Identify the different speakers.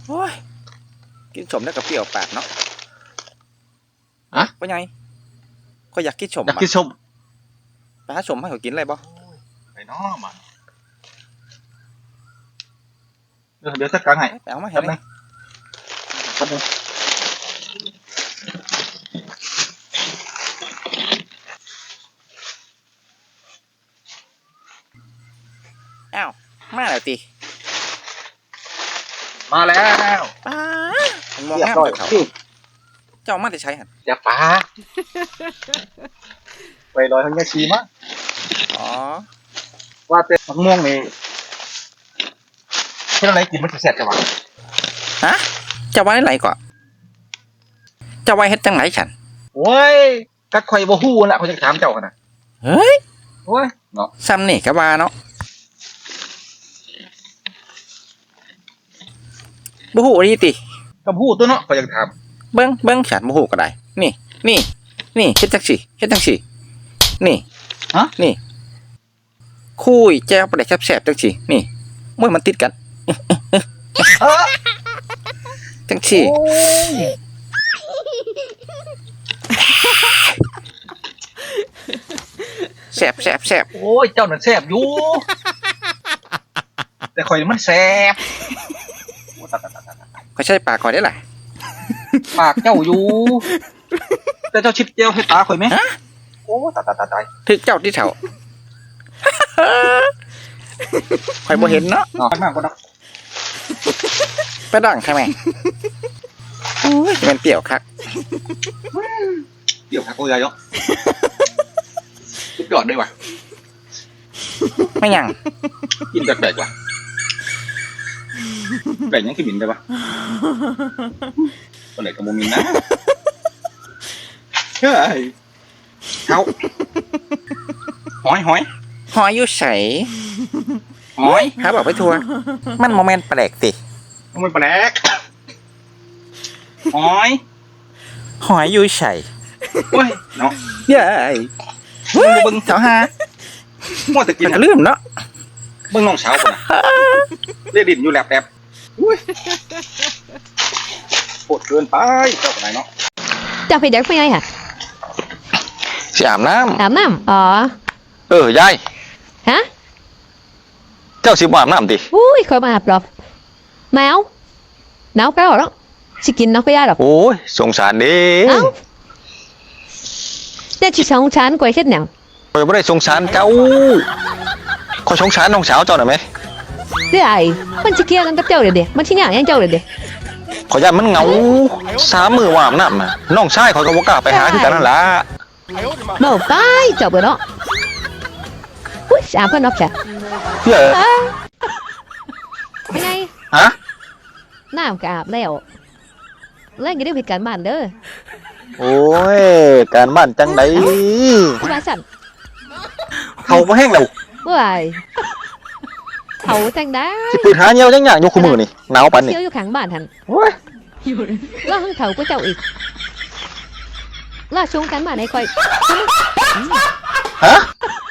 Speaker 1: โอ้ยกินสมได้กับเปรี้ยวปากเนาะว่าไงก็อยากกินสม
Speaker 2: อยากกินสม
Speaker 1: ไปหาสมให้เขากินอะไรบ่
Speaker 2: ไปน้อมันเดี๋ยวจัดการให้
Speaker 1: ไปเอามาเห็นไหมอ้าวมาแล้วตี
Speaker 2: มาแล้ว
Speaker 1: มองหน้าเขาเจ้ามาแต่ใช้หัน
Speaker 2: อย่าป้าไปลอยทั้งยาชีมั้ง
Speaker 1: อ๋อ
Speaker 2: ว่าแต่มะม่วงนี่เพื่อนอะไรกินมันจะแซ่บจังวะ
Speaker 1: ฮะจะไว้ไหนก่อนจะไว้เฮ็ดจังไหนฉัน
Speaker 2: โอ้ยกัดไข่บ่ฮู้น่ะเขาจะถามเจ้าขนาด
Speaker 1: เฮ้ย
Speaker 2: โอ้ยเนาะ
Speaker 1: ซ้ำนี่ก็ว่าเนาะบ่ฮู้ดีติ
Speaker 2: กับฮู้ตัวเนาะเขาจะถาม
Speaker 1: เบิ่งฉันบ่ฮู้ก็ได้นี่เฮ็ดจังซี่นี่
Speaker 2: ฮะ
Speaker 1: นี่คุยแจ้วปลาแดกแซ่บๆจังซี่นี่มวยมันติดกันจังซี่แซ่บ
Speaker 2: โอ้ยเจ้าน่ะแซ่บอยู่แต่ข่อยมันแซ่บ
Speaker 1: ก็ใช้ปากก่อนได้ล่ะ
Speaker 2: ปากเจ้าอยู่แต่เจ้าชิบเจียวให้ตาข่อยไหมโอ้ตาย
Speaker 1: ถึกเจ้าที่แถวข่อยบ่เห็นเนาะ
Speaker 2: มากกว่านัก
Speaker 1: ไปดังใช่ไหมโอ้ยมันเปรี้ยวคัก
Speaker 2: เปรี้ยวคักโอ้ยายเนาะสุดยอดด้วยว่ะ
Speaker 1: ไม่ยัง
Speaker 2: กินแปลกๆว่ะแปลกยังคือบินได้ปะตัวไหนกับโมมินนะเฮ้ยเขาหอย
Speaker 1: อยู่ใส
Speaker 2: หอย
Speaker 1: หาบอกไปทัวมันโมเมนต์แปลกติ
Speaker 2: มันแปลกห
Speaker 1: อยอยู่ใส
Speaker 2: โอ้ยเนาะ
Speaker 1: เย้ย
Speaker 2: เบิ้ง
Speaker 1: เจ้าฮะ
Speaker 2: มั่วแต่กิน
Speaker 1: ลืมเนาะ
Speaker 2: เบิ้งน้องสาวคนน่ะเรียกดินอยู่แลบอุ้ยโหดเกินไปเจ้าคนไหนเนาะ
Speaker 3: เจ้าไปเด็กไปไงฮะ
Speaker 1: อาบน้
Speaker 3: ำอ๋
Speaker 1: อยาย
Speaker 3: ฮะ
Speaker 1: เจ้าสิบอาบน้ำดิ
Speaker 3: อุ้ยคอยมาอาบหรอกหนาวก็หรอกสิกินน้องก็ยากหรอก
Speaker 1: โอ้ยสงสารดิ
Speaker 3: เอ้าแต่ชิสงสารกว่าเช่นหนัง
Speaker 1: คอยไม่ได้สงสารเจ้าคอยสงสารน้องสาวเจ้าหน่อยไหม
Speaker 3: เดี๋ยวไอ้มันชิเกียกันกับเจ้าเดี๋ยวมันชิหยายังเจ้าเดี๋ยว
Speaker 1: ขอยามันเหงา3 มื้อว่าอาบน้ำน้องชายขอยก็บ่กล้าไปหาที่กันนั่นล่ะ
Speaker 3: เมาไปเจ้าเบื่อเนาะอุ้ยอาบเพื่อนนอกจ้ะ
Speaker 1: เยอะ
Speaker 3: เป็นไง
Speaker 1: ฮะ
Speaker 3: น้ำก็อาบแล้วเล่นกันได้ผิดการบ้านเด้อ
Speaker 1: โอ้ยการบ้านจังได
Speaker 3: ที่บ้านสั่น
Speaker 1: เขาบ่แห้งแล้ว
Speaker 3: ว้ายเขาจังได้
Speaker 1: สิปืนหาเงี้ยวจังอย่างอยู่คู่มือนี่หนาวปานนี่
Speaker 3: เที่ยวอยู่ข้างบ้านทัน
Speaker 1: โอ้ย
Speaker 3: ล่าห้องเขาก็เจ้าอีกล่าชงกันบ้านให้คอย
Speaker 1: ฮะ